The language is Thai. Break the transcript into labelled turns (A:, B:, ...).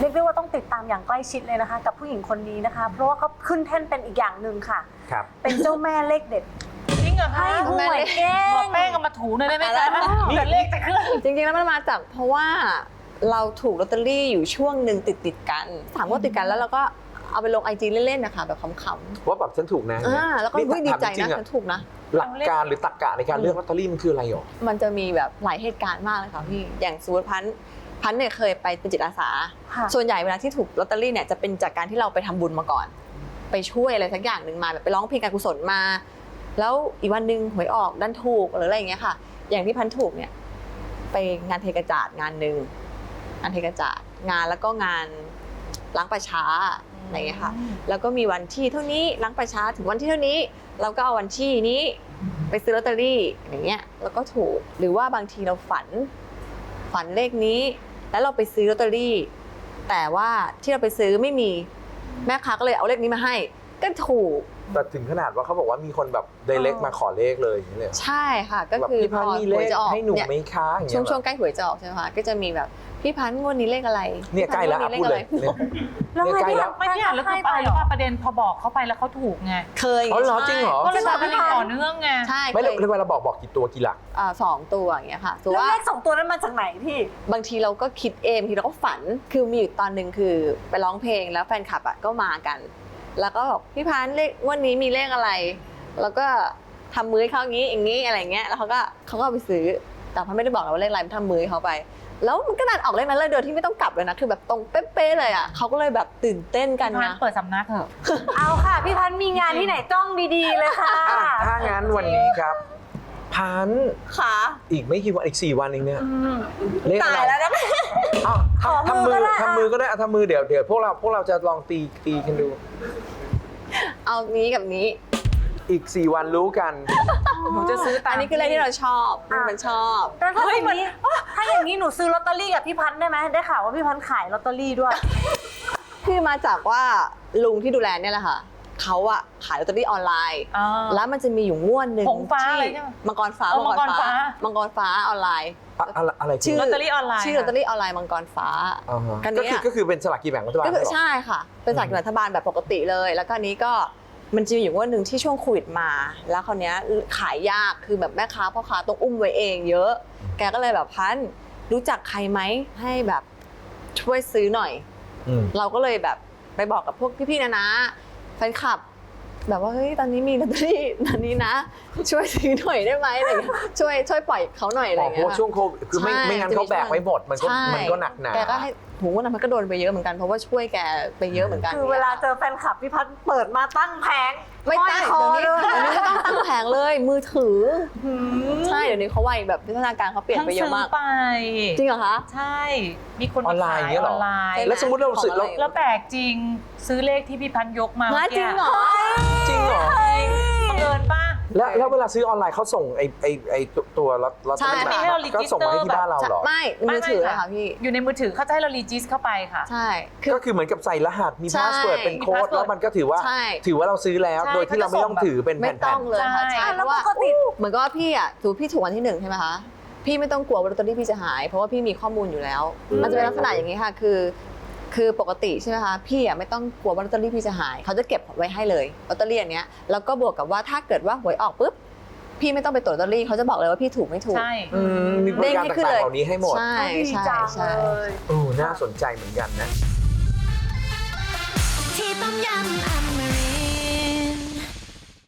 A: รียกได้ว่าต้องติดตามอย่างใกล้ชิดเลยนะคะ กับผู้หญิงคนนี้นะคะ เพราะว่าเขาขึ้นแท่นเป็นอีกอย่างหนึ่งค่ะ
B: ครับ
A: เป็นเจ้าแม่เลขเด็ด
C: จริงเหรอคะ
A: ให้หวยเก่
C: หมอง แป้งเอามาถูหน่อยได้ไหมคะเดี๋ยวเลขจะขึ้น
D: จริงๆแล้วมันมาจากเพราะว่าเราถูกลอตเตอรี่อยู่ช่วงหนึ่งติดกัน3งวดติดกันแล้วเราก็เอาไปลง IG เล่นๆนะคะแบบขำ
B: ว่าแบบฉันถูกนะ
D: ๆแล้วก็ดีใจนะฉันถูกนะ
B: หลักการหรือตรรกะในการเลือกลอตเตอรี่มันคืออะไรหรอ
D: มันจะมีแบบหลายเหตุการณ์มากเลยค่ะพี่อย่างสมมติพันธุ์เนี่ยเคยไปเป็นจิตอาสา
A: ค่ะ
D: ส่วนใหญ่เวลาที่ถูกลอตเตอรี่เนี่ยจะเป็นจากการที่เราไปทำบุญมาก่อน ไปช่วยอะไรสักอย่างหนึ่งมาแบบไปร้องเพลงการกุศลมา แล้วอีกวันหนึ่งหวยออกดันถูกหรืออะไรอย่างเงี้ยค่ะ อย่างที่พันธุ์ถูกเนี่ยไปงานเทกระจาดงานหนึ่งงานเทกระจาดงานแล้วก็งานล้างประช้าอะไรอย่างเงี้ยค่ะแล้วก็มีวันที่เท่านี้ล้างประช้าถึงวันที่เท่านี้เราก็เอาวันที่นี้ไปซื้อลอตเตอรี่อย่างเงี้ยแล้วก็ถูกหรือว่าบางทีเราฝันเลขนี้แล้วเราไปซื้อลอตเตอรี่แต่ว่าที่เราไปซื้อไม่มีแม่ค้าก็เลยเอาเลขนี้มาให้ก็ถูก
B: แต่ถึงขนาดว่าเขาบอกว่ามีคนแบบไดเรกมาขอเลขเลยอย่างนี้เลย
D: ใช่ค่ะก็
B: แบบ
D: คือ
B: พี่พันธุ์มี
D: ห
B: เล
D: วย
B: ข
D: จะออก
B: ให้หนู
D: เนี่ย
B: ไหมคะอย่างเงี้ย
D: ช่วงใกล้หวยจะออกใช่ไหมคะก็จะมีแบบพี่พันธุ์งวดนี้เลขอะไร
B: เนี่ยใกล้แล้ว
D: พี่พันธุ์
B: พูดเลย
D: งวดนี้
B: เนี่ย
D: เลขอะไร
B: เนี่ยใกล้แล้ว
C: ไม่เนี่ยแล้วคืออะไรรู้ป่ะประเด็นพอบอกเขาไปแล้วเขาถูกไง
D: เคย
B: อ๋อเหรอจริงเหรอ
C: ก็เลยบอกเป็นต่อเนื่องไง
D: ใช่
B: ไม่
D: เคย
B: เวลาบอกกี่ตัวกี่หลัก
D: 2 ตัวอย่างเงี้ยค่ะถือ
A: แล้ว
D: ว่า
A: เลข2 ตัวนั้นมาจากไหนพี่
D: บางทีเราก็คิดเองบางทีเราก็ฝันคือมีอยู่ตอนหนึ่งคือไปร้องเพลงแล้วแฟนคลับก็มากัน แล้วก็บอกพี่พันธุ์เลขงวันนี้มีเลขอะไร แล้วก็ทำมือให้เขาอย่างนี้อะไรเงี้ยแล้วเขาก็เอาไปซื้อแต่พันไม่ได้บอกเราว่าเลขอะไรมันทำมือให้เขาไป แล้วมันก็ดันออกเลขนั้นเลยโดยที่ไม่ต้องกลับเลยนะคือแบบตรงเป๊ะๆเลยอ่ะเขาก็เลยแบบตื่นเต้นกัน
C: พัน
D: นะ
C: เปิดสำนักเถอะ
A: เอาค่ะ พี่พันธ์มีงานที่ไหนจ้องดีๆเลยค่ะ
B: อ่ะถ้างั้นวันนี้ครับ พันธุ์
D: ค่ะ
B: อีกไม่กี่วันอีก4 วันเองเนี่ย
A: อืม
B: เลข
D: ตา
B: อะไร
D: ยแล้วนะ
B: อ้าว
A: ขอมือก็ได้
B: ทำมือก็ได้ทำมือเดี๋ยวพวกเราจะลองตีกันดู
D: เอานี้กับนี้
B: อีก4 วันรู้กัน
C: หนูจะซื้อตาม
D: อันนี้คือเลขที่เราชอบมันชอบ
A: แล้วถ้าอย่างนี้ถ้าอย่างนี้หนูซื้อลอตเตอรี่กับพี่พันธ์ได้ไหมได้ข่าวว่าพี่พันธ์ขายลอตเตอรี่ด้วย
D: คือมาจากว่าลุงที่ดูแลเนี่ยแหละค่ะเขาอะขายลอตเตอรี่ออนไลน์
C: อ่า
D: แล้วมันจะมีอยู่งวดหนึ่ง
C: หงฟ้า
D: ที่
C: อะไรใช่ไหม
D: มังกรฟ้า
C: มังกรฟ้า
D: มังกรฟ้าออนไลน์
B: อะไร
D: ชื่อ
C: ลอตเตอรี่ออนไลน์
D: ชื่อลอตเตอรี่ออนไลน์มังกรฟ้า
B: อ่าฮะ
D: กันเนี่ย
B: ก็คือเป็นสลากกินแบ่งรัฐบาล
D: ก็คือ
B: เหรอ
D: ใช่ค่ะ เป็นสลากกินแบ่งรัฐบาลแบบปกติเลย แล้วก็อันนี้ก็มันจะมีอยู่งวดหนึ่งที่ช่วงโควิดมา แล้วคราวเนี้ยขายยากคือแบบแม่ค้าพ่อค้าต้องอุ้มไว้เองเยอะ แกก็เลยแบบพันรู้จักใครไหมให้แบบช่วยซื้อหน่อย
B: อืม
D: เราก็เลยแบบไปบอกกับพวกพี่ๆนะแฟนคลับ แบบว่าเฮ้ยตอนนี้มีลอตเตอรี่ตอนนี้นะ ช่วยซื้อหน่อยได้ไหมอะไรอย่างเงี้ยช่วยปล่อยเขาหน่อยอะไร
B: อ๋
D: อ
B: อย่าง เพ
D: เงี้
B: ราะ
D: ย
B: ว่าช่วงโควิดคือไม่
D: ใช่
B: งั้นเขาแบกไว้หมดมันก็
D: ใช่
B: หนักหนา
D: แกก็ให้หูวันนั้นมันก็โดนไปเยอะเหมือนกันเพราะว่าช่วยแกไปเยอะเหมือนกัน
A: คือเวลาเจอแฟนคลับพี่พันธ์เปิดมาตั้งแผง
D: ไม่ตั้ง
A: ห้อยคอ
D: เดี๋ยวนี้
A: เลย
D: ไม่ต้องตั้งแผงเลยมือถือใช่เดี๋ยวนี้เขาไวแบบพัฒนาการเขาเปลี่ยนไปเยอะมาก
C: ทั้งซื้อไป
D: จริงเหรอคะ
C: ใช่ มีคน
B: ออนไลน์
C: ขาย
B: เงี้ย
C: อ
B: เหร
C: อ
B: อน
C: ไลน์
B: แล้วสมมติเราซื้อ
D: ของอะไร
C: แล้วแปลกจริงซื้อเลขที่พี่พันยกมา
D: มาจริงเหรอ
B: จริงเหรอ
C: บังเอิญป่ะ
B: แล้วเวลาซื้อออนไลน์เขาส่งไอ้ตัวลอตเตอ
D: ใช่
B: รี่
C: ไม่ให้เรา
B: ก็ส่งมาให้ที่บ้านเราเหรอ
D: ไม่มือถือเลยค่ะพี่
C: อยู่ในมือถือเขาจะให้เรารีจิสเข้าไปค่ะ
D: ใช่คือ
B: ก็คือเหมือนกับใส่รหัสมี
D: ใช่
B: พาสเวิร์ดเป็นโค้ด
C: มี password
B: แล้วมันก็ถือว่า
D: ใช่
B: เราซื้อแล้ว
C: ใช่
B: โดยที่เราไม่ต้องถือเป็น
D: ไม่
B: แผ่
D: ต้อน งเลยค่ะ
C: ใช่
D: ใช่
A: แล้
D: เพ
A: ว
D: ราะ
A: ป
D: ว่าก
A: ติ
D: เหมือนกับว่าพี่อะถือพี่ถูกวันที่1ใช่ไหมคะพี่ไม่ต้องกลัวว่าลอตเตอรี่พี่จะหายเพราะว่าพี่มีข้อมูลอยู่แล้ว มันจะเป็นลักษณะอย่างนี้ค่ะคือปกติใช่ไหมคะพี่อะไม่ต้องกลัวว่าลอตเตอรี่พี่จะหายเขาจะเก็บไว้ให้เลยลอตเตอรี่อันเนี้ยแล้วก็บวกกับว่าถ้าเกิดว่าหวยออกปุ๊บพี่ไม่ต้องไปตรวจลอตเตอรี่เขาจะบอกเลยว่าพี่ถูกไม่ถูก
C: ใช่
B: มีบริการ
D: เด้งให้ขึ้น
B: ต่าง
D: เลย
B: ๆเหล่านี้ให้หมด
D: ใช่
A: ดี
D: ใช่
A: จัง
D: ใช่
A: เลย
B: น่าสนใจเหมือนกันนะ
E: ที่ต้มยำอ